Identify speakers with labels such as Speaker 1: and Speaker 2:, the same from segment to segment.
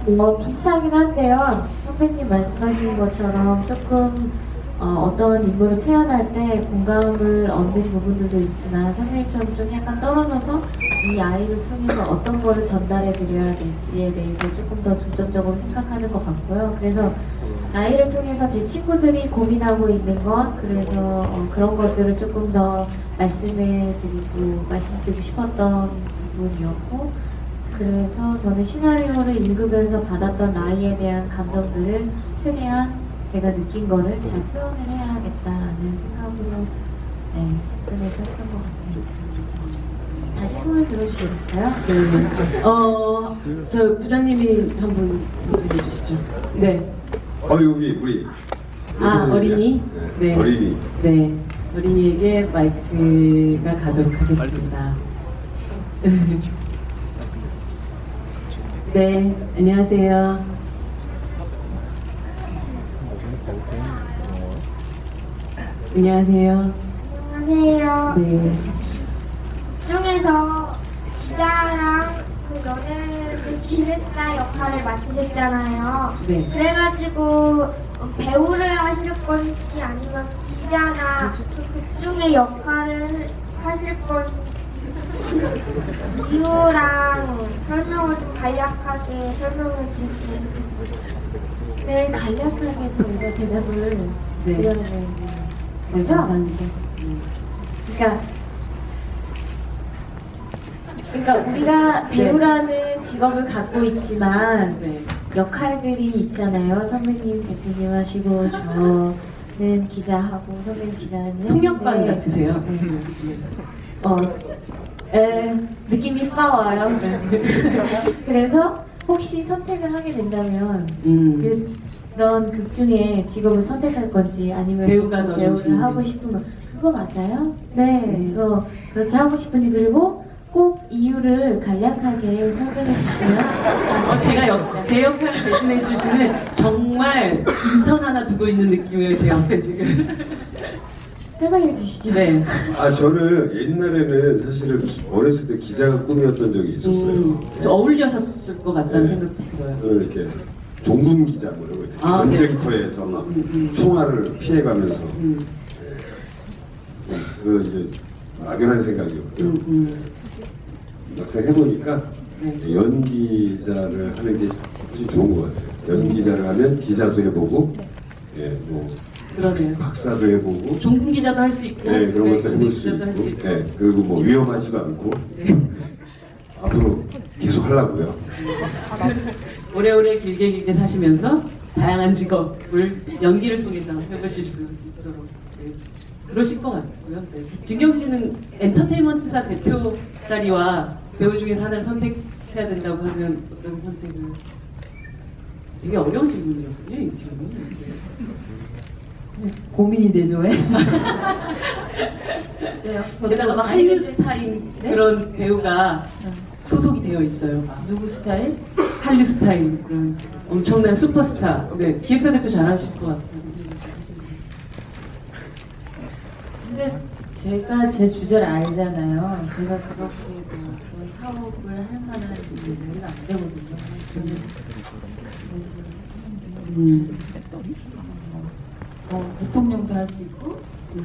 Speaker 1: 뭐 비슷하긴 한데요. 선배님 말씀하신 것처럼 조금 어떤 인물을 표현할 때 공감을 얻는 부분들도 있지만 선배님처럼 좀 약간 떨어져서 이 아이를 통해서 어떤 거를 전달해 드려야 될지에 대해서 조금 더 중점적으로 생각하는 것 같고요. 그래서 아이를 통해서 제 친구들이 고민하고 있는 것, 그래서 그런 것들을 조금 더 말씀드리고 싶었던 부분이었고, 그래서 저는 시나리오를 읽으면서 받았던 라이에 대한 감정들을 최대한 제가 느낀 거를 잘 표현을 해야겠다라는 생각으로 그래서 했던 것 같아요. 다시 손을 들어주시겠어요?
Speaker 2: 네. 저 부장님이 한번 해주시죠. 네.
Speaker 3: 여기 우리
Speaker 2: 어린이?
Speaker 3: 네. 어린이.
Speaker 2: 네. 어린이에게 마이크가 가도록 하겠습니다. 네, 안녕하세요. 안녕하세요.
Speaker 4: 안녕하세요.
Speaker 2: 네.
Speaker 4: 중에서 기자랑 그 연예인 기획사 역할을 맡으셨잖아요.
Speaker 2: 네.
Speaker 4: 그래가지고 배우를 하실 건지 아니면 기자나 그 극중의 역할을 하실 건지 이유랑 설명을 좀 간략하게 설명을 주시면
Speaker 1: 네, 간략하게 저희가 대답을
Speaker 2: 네.
Speaker 1: 드려야 되는 거죠? 그러니까 우리가 배우라는 직업을 갖고 있지만
Speaker 2: 네.
Speaker 1: 역할들이 있잖아요. 선배님 대표님 하시고 저는 기자하고 선배님 기자는
Speaker 2: 통역관
Speaker 1: 네.
Speaker 2: 같으세요.
Speaker 1: 느낌이 빠와요. 그래서 혹시 선택을 하게 된다면 그런 극 중에 직업을 선택할 건지 아니면
Speaker 2: 배우가 더
Speaker 1: 배우를
Speaker 2: 좋으신지.
Speaker 1: 하고 싶은 거 그거 맞아요? 네, 그렇게 하고 싶은지 그리고 꼭 이유를 간략하게 설명해 주시면
Speaker 2: 제 역할을 대신해 주시는 정말 인턴 하나 두고 있는 느낌이에요, 제 앞에 지금.
Speaker 1: 설명해 주시죠.
Speaker 2: 네.
Speaker 3: 저는 옛날에는 사실은 어렸을 때 기자가 꿈이었던 적이 있었어요.
Speaker 2: 좀 어울려셨을 것 같다는
Speaker 3: 네.
Speaker 2: 생각도 들어요.
Speaker 3: 저는 이렇게 종군 기자 뭐 이런 거 있잖아요.
Speaker 2: 네.
Speaker 3: 전쟁터에서 막 총알을 피해가면서 그 이제 막연한 생각이었고요. 막상 해보니까
Speaker 2: 네.
Speaker 3: 연기자를 하는 게 훨씬 좋은 것 같아요. 연기자를 하면 기자도 해보고, 뭐
Speaker 2: 그러네요.
Speaker 3: 박사도 해보고,
Speaker 2: 종군 기자도 할 수 있고,
Speaker 3: 그런 것도 해볼 수
Speaker 2: 기자도 할수
Speaker 3: 있고, 그리고 뭐 위험하지도 않고 앞으로 계속 하려고요.
Speaker 2: 오래오래 길게 사시면서 다양한 직업을 연기를 통해서 해보실 수 있도록 그러실 것 같고요. 네. 진경 씨는 엔터테인먼트사 대표 자리와 배우 중에서 하나를 선택해야 된다고 하면 어떤 선택을? 되게 어려운 질문이었군요, 이 질문은.
Speaker 1: 고민이 되죠, 왜?
Speaker 2: 게다가 막 한류 스타인 그런 배우가 소속이 되어 있어요.
Speaker 1: 누구 스타일?
Speaker 2: 한류 스타인 그런 엄청난 슈퍼스타. 네, 기획사 대표 잘하실 것 같아요.
Speaker 1: 근데 제가 제 주제를 알잖아요. 제가 그렇게 뭐 그런 사업을 할 만한 일은 안 되거든요. 저는 대통령도 할 수 있고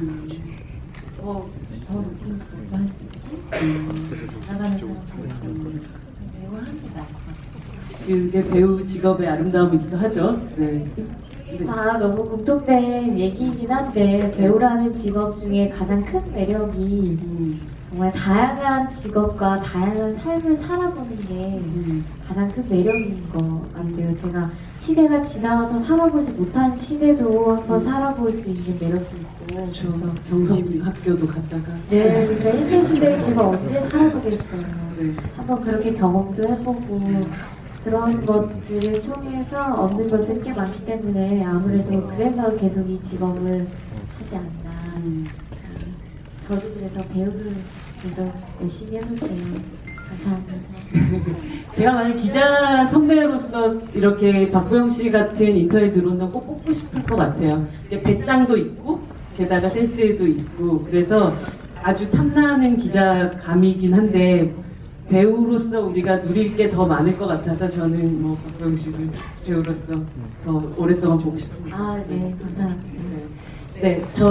Speaker 1: 더 높은 직업도 할 수 있고 나가는 사람도 배우 하는 게 나을 것 같아요.
Speaker 2: 그게 배우 직업의 아름다움이기도 하죠. 네.
Speaker 1: 다 너무 공통된 얘기이긴 한데 배우라는 직업 중에 가장 큰 매력이 정말 다양한 직업과 다양한 삶을 살아보는 게 가장 큰 매력인 것 같아요. 제가 시대가 지나와서 살아보지 못한 시대도 한번 살아볼 수 있는 매력이 있고
Speaker 2: 그래서 경성 학교도 갔다가
Speaker 1: 네, 그러니까 일제시대에 제가 언제 살아보겠어요.
Speaker 2: 네.
Speaker 1: 한번 그렇게 경험도 해보고 그런 것들을 통해서 얻는 것들이 꽤 많기 때문에 아무래도 그래서 계속 이 직업을 하지 않나. 저도 그래서 배우를 계속 열심히 해볼게요. 감사합니다.
Speaker 2: 제가 만약 기자 선배로서 이렇게 박보영 씨 같은 인터뷰에 들어온다면 꼭 뽑고 싶을 것 같아요. 배짱도 있고 게다가 센스도 있고 그래서 아주 탐나는 기자감이긴 한데 배우로서 우리가 누릴 게 더 많을 것 같아서 저는 뭐 박보영 씨를 배우로서 더 오랫동안 보고 싶습니다.
Speaker 1: 아, 네, 감사합니다.
Speaker 2: 네, 저